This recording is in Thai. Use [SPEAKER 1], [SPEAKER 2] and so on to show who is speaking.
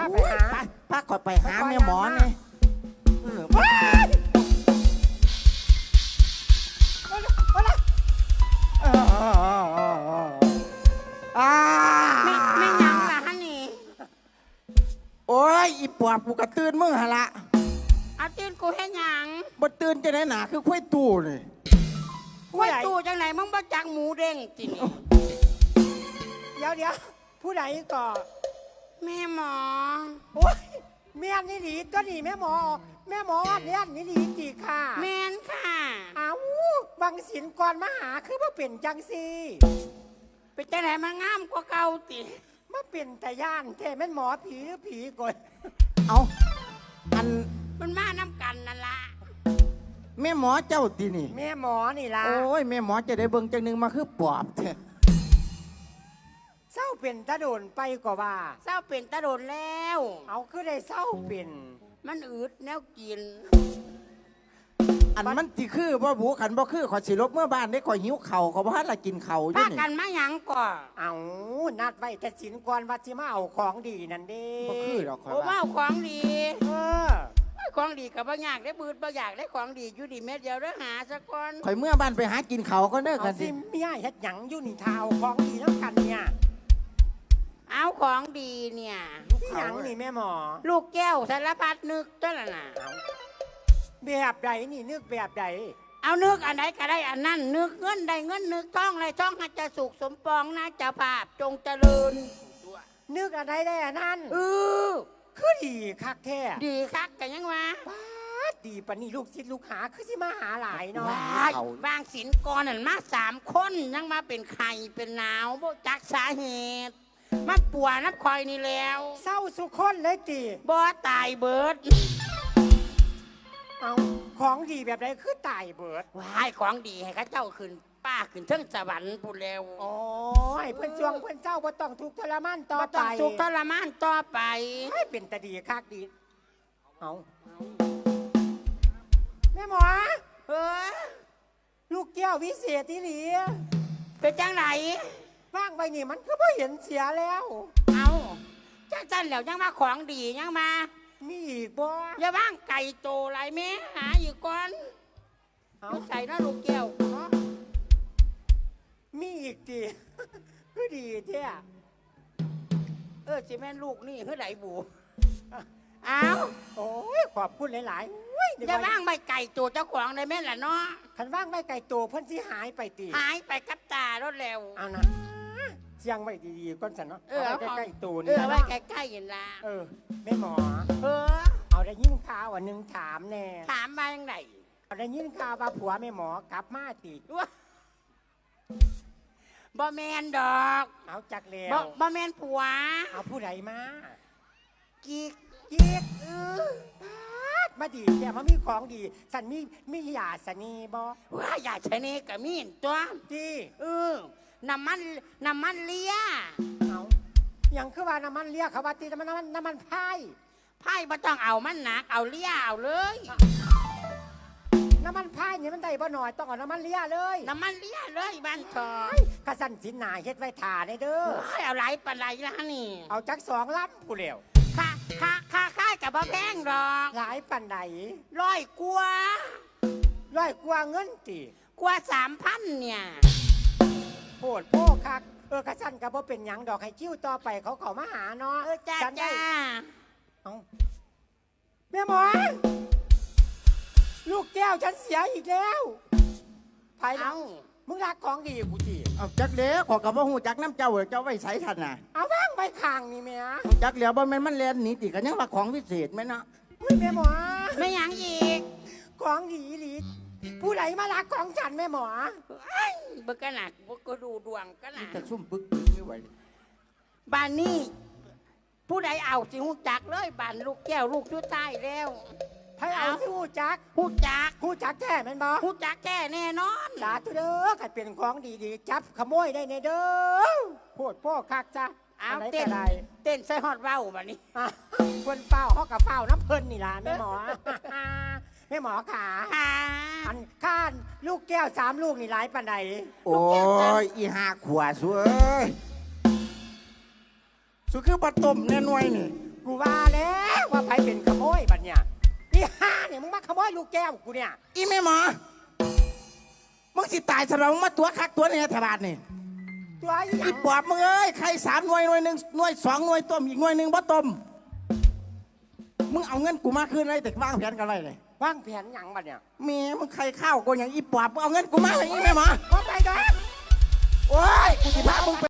[SPEAKER 1] าไปหา
[SPEAKER 2] พาขอไปหาแม่หมอนี่
[SPEAKER 3] ไม่ยังล่ะฮะนี่
[SPEAKER 2] โอ้ยอีปอบกูกระตื่นมึงหะละ
[SPEAKER 3] เอาตื่นกูให้ยัง
[SPEAKER 2] บ่ตื่นจะไหนหนาคือค่อยตู้นี่
[SPEAKER 3] ค่อยตู้จังไหนมึงบ่จักหมูเด้งจินี่
[SPEAKER 1] เดี๋ยวผู้ใดก่อ
[SPEAKER 3] แม่หมอ
[SPEAKER 1] โอ้ยแม่นี่หลีตัวนี้แม่หมอว่าเนี่ยนี่หลีจีค่ะ
[SPEAKER 3] แม่นค่ะ
[SPEAKER 1] อ้าวบังสินก่อนมาหาคือมาเป็นจังซี
[SPEAKER 3] เป็นจังไหนมางามกว่าเก่าติ
[SPEAKER 1] มาเป็นแต่ย่านแต่แม่หมอผีหรือผีก่อน
[SPEAKER 2] เอาอัน
[SPEAKER 3] มันมาน้ำกันนั่นละ
[SPEAKER 2] แม่หมอเจ้าตีนี่
[SPEAKER 1] แม่หมอนี่ล่ะ
[SPEAKER 2] โอ้ยแม่หมอจะได้เบิ่งจังนึงมาคือปอบเถอะ
[SPEAKER 1] เศร้าเป็นตะโดนไปกว่า
[SPEAKER 3] เศร้าเป็นตะโดนแล้ว
[SPEAKER 1] เอาคือได้เศร้าเป็น
[SPEAKER 3] มันอืดแนวกิน
[SPEAKER 2] อันมันสิคือบ่บูขันบ่คือขอสิลบเมื่อบ้านได้ขอหิวเข่าขอบ่ทันละกินเข่าอยู่นี่
[SPEAKER 3] พากันมาหยังก่อ
[SPEAKER 1] เอานัดไว้แต่สินก่อนว่าสิมาเอาของดีนั่นเด้
[SPEAKER 2] บ่คือดอกขอ
[SPEAKER 3] ว่าของดีของดีกับบ่อยากได้บืดบ่อยากได้ของดีอยู่ดีเม็ดเดียวเด้อหาซะก่อน
[SPEAKER 2] ข่อยเมื่อบ้านไปหากินเข่าก็เด้อกัน
[SPEAKER 1] สิเมียเฮ็ดหยังอยู่นี่เท้าของดีแล้วกันเนี่ย
[SPEAKER 3] เอาของดีเนี่ย
[SPEAKER 1] หยังนี่แม่หมอ
[SPEAKER 3] ลูกแก้วสารพัดนึกตัวละน่ะ
[SPEAKER 1] แบบใดนี่นึกแบบใด
[SPEAKER 3] เอานึกอันไหนก็ได้อันนั้นนึกเงินได้เงินนึกท่องอะไรท่องให้จะสุขสมปองนะเจ้าภาพจงเจริญ
[SPEAKER 1] นึกอันใดได้อันนั้นคือดีคักแท้
[SPEAKER 3] ดีคักกันยังวะ
[SPEAKER 1] ดีปะนี่ลูกศิษย์ลูกหาคือสิมาหาหลายเนาะ
[SPEAKER 3] บางศิลกรนั่นมา3 คนยังมาเป็นไข่เป็นหนาวบ่จักสาเหตุมาป่วยนับคอยนี่แล้ว
[SPEAKER 1] เศร้าสุคนเลยตี
[SPEAKER 3] บ่ตายเบิด
[SPEAKER 1] เอาของดีแบบใดคือตายเบิด
[SPEAKER 3] ว้ายของดีให้ข้าเจ้าขึ้นป้าขึ้นเทิงสวรรค์พูดแล้ว
[SPEAKER 1] โอ้ยเพิ่นช่วงเพิ่นเจ้าบ่ต้องทุกข์ทรมานต่อไปบ่
[SPEAKER 3] ต้องทุกข์ทรมานต่อไป
[SPEAKER 1] ให้เป็นตาดีคักดีเอาแม่หมอลูกแก้ววิเศษที่หลี
[SPEAKER 3] เป็นจังไหน
[SPEAKER 1] ว่างไปนี่มันก็ไม่เห็นเสียแล้ว
[SPEAKER 3] เอาจ้าจันแล้วยังมาของดียังมา
[SPEAKER 1] มีอีกบ่
[SPEAKER 3] อย่าว่างไก่โตไรแม่หาอยู่ก่อนเอาใส่นะลูกแก้วเนาะ
[SPEAKER 1] มีอีกดีก็ดีเท่
[SPEAKER 3] สิแม่ลูกนี่คือไหนบูเอา
[SPEAKER 1] โอ้ยขอบคุณหลาย
[SPEAKER 3] ๆอย่าว่างไม่ไก่โตเจ้าของเลยแม่ล่ะเนาะ
[SPEAKER 1] คันว่างไม่ไก่โตเพิ่นสิหายไปตี
[SPEAKER 3] หายไปกับตารถเร็ว
[SPEAKER 1] เอานะเสียงไว้ดีๆก่อนสันเนาะใกล้ๆตู
[SPEAKER 3] นี่ไว้ใกล้ๆอย่างละ
[SPEAKER 1] แม่หมอเอาได้ยินข่าวหนึ่งถามแน่
[SPEAKER 3] ถามมาอย่างไร
[SPEAKER 1] เอาได้ยินข่าวว่าผัวแม่หมอกลับมาตี
[SPEAKER 3] บ่แมนดอก
[SPEAKER 1] เอาจักแล้ว
[SPEAKER 3] บ่แมนผัว
[SPEAKER 1] เอาผู้ใดมา
[SPEAKER 3] กิ๊ก
[SPEAKER 1] มาดีแต่มามีของดีสันมียาสนีบ่
[SPEAKER 3] ว่ายาชนีกับมีนตัว
[SPEAKER 1] ดี
[SPEAKER 3] น้ำมันเลีย
[SPEAKER 1] เอาอย่างคือว่าน้ำมันเลียเขาว่าตีน้ำมันพาย
[SPEAKER 3] บ่ต้องเอามันหนักเอาเลียเอาเลย
[SPEAKER 1] น้ำมันพายเนี่ยมันได้บ่หน่อยต้องเอาน้ำมันเลียเลย
[SPEAKER 3] น้ำมันเลียเลยบ้านทอง
[SPEAKER 1] กระสันสินหนาเฮ็ดไว้ถ่าได้เด้อ
[SPEAKER 3] เอาไหลปลาไหลละนี่
[SPEAKER 1] เอาจัก2 ลำผู้เร็ว
[SPEAKER 3] ค่ากับบ่แพงดอก
[SPEAKER 1] หลายปันไหน
[SPEAKER 3] 100 กว่า
[SPEAKER 1] เงินตี
[SPEAKER 3] กว่า 3,000เนี่ย
[SPEAKER 1] โหดโพคักกระสันกับบ่เป็นหยังดอกให้คิ้วต่อไปเขามาหาเนาะ
[SPEAKER 3] จ้า
[SPEAKER 1] เอาแม่หมอลูกแก้วฉันเสียอีกแล้วไผเอามึงรักของดีกูจี
[SPEAKER 2] เอาจักเลี้ยขอกับว่าหูจักน้ำเจ้าเจ้าไว้ใส่ทันน่ะ
[SPEAKER 1] เอาว่างไปข้างนี่แม่
[SPEAKER 2] จักเลี้ยบ่แม่นมันเล่นหนีติกันยังว่าของวิเศษไหมเนาะ
[SPEAKER 1] แม่หมอ
[SPEAKER 3] ไม่ยังอีก
[SPEAKER 1] ของดีหลีผู้ใดมารักของฉันแม่หมอ
[SPEAKER 3] บึกกระหนักบึกก็ดูดวงกระหนัก
[SPEAKER 2] จะซุ่มบึกไม่ไหว
[SPEAKER 3] บ้านนี้ผู้ใดเอาสิหูจักเลยบ้านลูกแก้วลูกชุดใต้แล้ว
[SPEAKER 1] ให้เอาสิหูจักแท้แม่นบ่
[SPEAKER 3] หูจักแท้แน่นอน
[SPEAKER 1] สาธุเด้อขัดเป็นของดีๆจับขโมยได้ในเด้อโพดพ่อคักจ้ะ
[SPEAKER 3] เอาเต้นใส่ฮอดเว้าบัดนี้
[SPEAKER 1] คนเฝ้าเขากับเฝ้าน้ำเพิ่นนี่ล่ะแม่หมอแม่หมอขาอันข้านลูกแก้ว3 ลูกนี่หลายปานใด
[SPEAKER 2] โอ้ยอี5 ขวดสวยสุคือปลาต้มแน่นวยนี่
[SPEAKER 1] กูว่าแล้วว่าไผเป็นขโมยบัดเนี่ยนี่ห้าเนี่ยมึงมาขโมยลูกแก้วกูเนี่ย
[SPEAKER 2] อีแม่หมอมึงสิตายสำหรับมึงมาตัวคักตัวเนี่ยแถวบ้านนี่
[SPEAKER 1] ตัวอีหยั
[SPEAKER 2] อี
[SPEAKER 1] ง
[SPEAKER 2] ปอบมึงเอ้ยใคร3 หน่วยหนึ่งหน่วย2 หน่วยต้มอีกหน่วยหนึ่งบ่ต้มมึงเอาเงินกูมาคืนเลยแต่วางแผนกันไรเลยว
[SPEAKER 1] างแผนหยังบัดเนี่ย
[SPEAKER 2] แม่มึงใครข้าวกูอย่างอีปอบมึงเอาเงินกูมาเลยอีแม่หมอ
[SPEAKER 1] ว่าไปดอก
[SPEAKER 2] โอ้ยกูสิพามึงไป